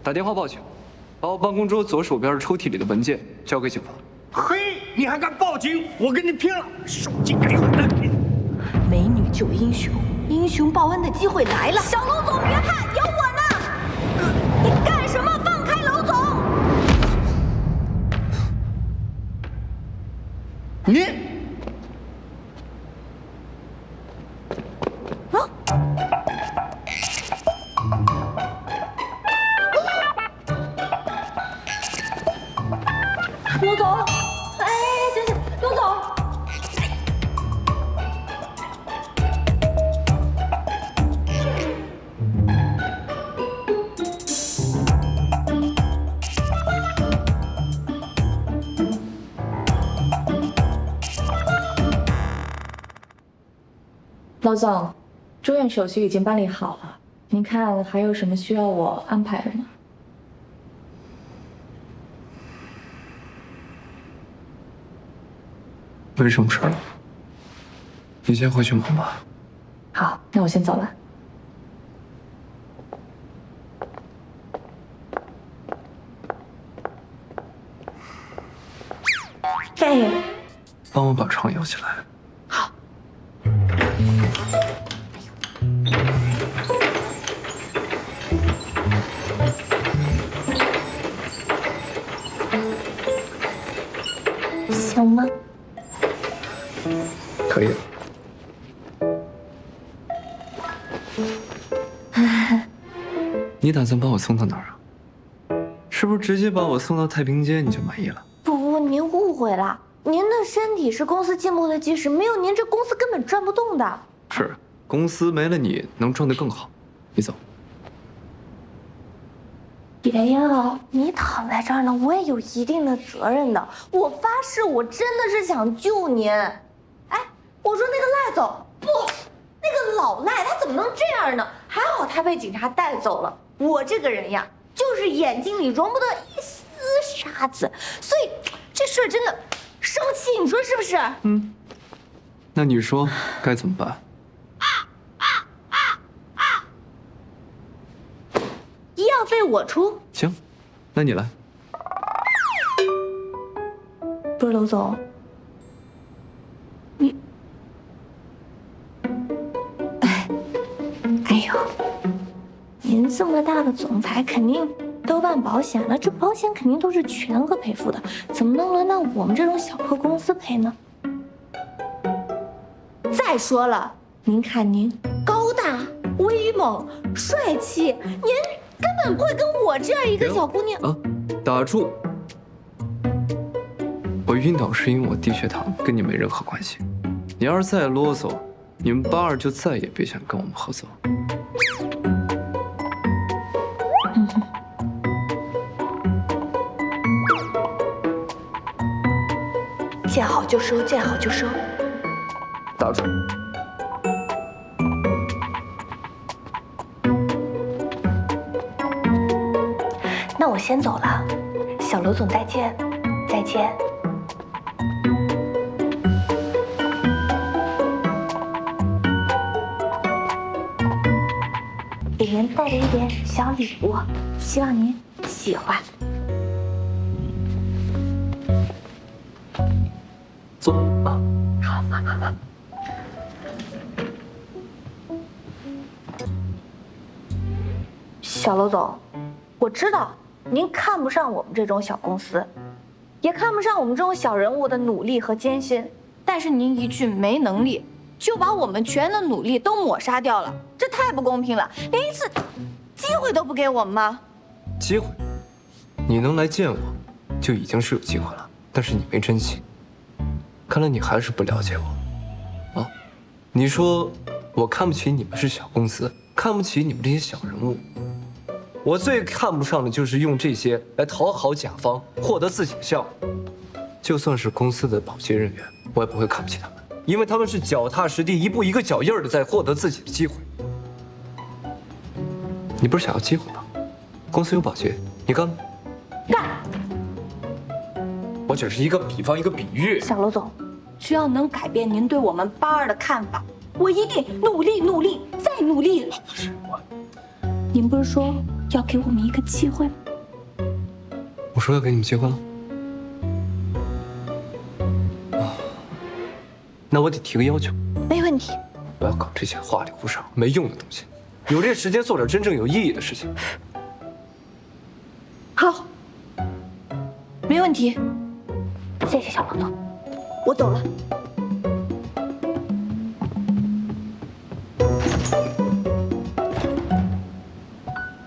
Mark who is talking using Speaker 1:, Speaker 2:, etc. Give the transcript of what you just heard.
Speaker 1: 打电话报警，把我办公桌左手边抽屉里的文件交给警方。
Speaker 2: 嘿，你还敢报警？我跟你拼了！手机给我的！
Speaker 3: 美女救英雄，英雄报恩的机会来了。小楼总，别怕，有我呢！你干什么？放开楼总！
Speaker 2: 你。
Speaker 3: 罗总，哎，行，罗总。
Speaker 4: 老总，住院手续已经办理好了，您看还有什么需要我安排的吗？
Speaker 1: 没什么事了，你先回去忙吧。
Speaker 4: 好，那我先走了。
Speaker 3: 哎，
Speaker 1: 帮我把床摇起来。
Speaker 3: 好。行吗？
Speaker 1: 可以了。你打算把我送到哪儿啊？是不是直接把我送到太平间你就满意了？
Speaker 3: 不，您误会了。您的身体是公司进步的基石，没有您这公司根本转不动的。
Speaker 1: 是，公司没了你能转得更好。你走。
Speaker 3: 爷爷，你躺在这儿呢，我也有一定的责任的。我发誓，我真的是想救您。哎，我说那个赖总不，那个老赖他怎么能这样呢？还好他被警察带走了。我这个人呀，就是眼睛里容不得一丝沙子，所以这事儿真的生气，你说是不是？
Speaker 1: 嗯，那你说该怎么办？
Speaker 3: 医药费我出。
Speaker 1: 行，那你来。
Speaker 3: 不是，娄总，你，哎呦，您这么大的总裁，肯定都办保险了，这保险肯定都是全额赔付的，怎么能轮到我们这种小破公司赔呢？再说了，您看您高大威猛帅气，您根本不会跟我这样一个小姑娘
Speaker 1: 啊，打住！我晕倒是因为我低血糖，跟你没任何关系。你要是再啰嗦，你们82就再也别想跟我们合作。
Speaker 3: 见好就收，见好就收。
Speaker 1: 打住！
Speaker 3: 那我先走了，小娄总再见，再见。里面带着一点小礼物，希望您喜欢。
Speaker 1: 坐啊。
Speaker 3: 好。小娄总，我知道您看不上我们这种小公司，也看不上我们这种小人物的努力和艰辛，但是您一句没能力，就把我们全的努力都抹杀掉了，这太不公平了，连一次机会都不给我们吗？
Speaker 1: 机会？你能来见我，就已经是有机会了，但是你没珍惜。看来你还是不了解我，啊？你说我看不起你们是小公司，看不起你们这些小人物。我最看不上的就是用这些来讨好甲方，获得自己的效益。就算是公司的保洁人员，我也不会看不起他们，因为他们是脚踏实地、一步一个脚印的在获得自己的机会。你不是想要机会吗？公司有保洁，你干吗？
Speaker 3: 干！
Speaker 1: 我只是一个比方，一个比喻。
Speaker 3: 小娄总，只要能改变您对我们82的看法，我一定努力、再努力。
Speaker 1: 不是我，
Speaker 3: 您不是说要给我们一个机会吗？
Speaker 1: 我说要给你们机会了。那我得提个要求，
Speaker 3: 没问题。
Speaker 1: 不要搞这些花里胡哨、没用的东西，有这时间做点真正有意义的事情。
Speaker 3: 好，没问题。谢谢小胖头，我走了。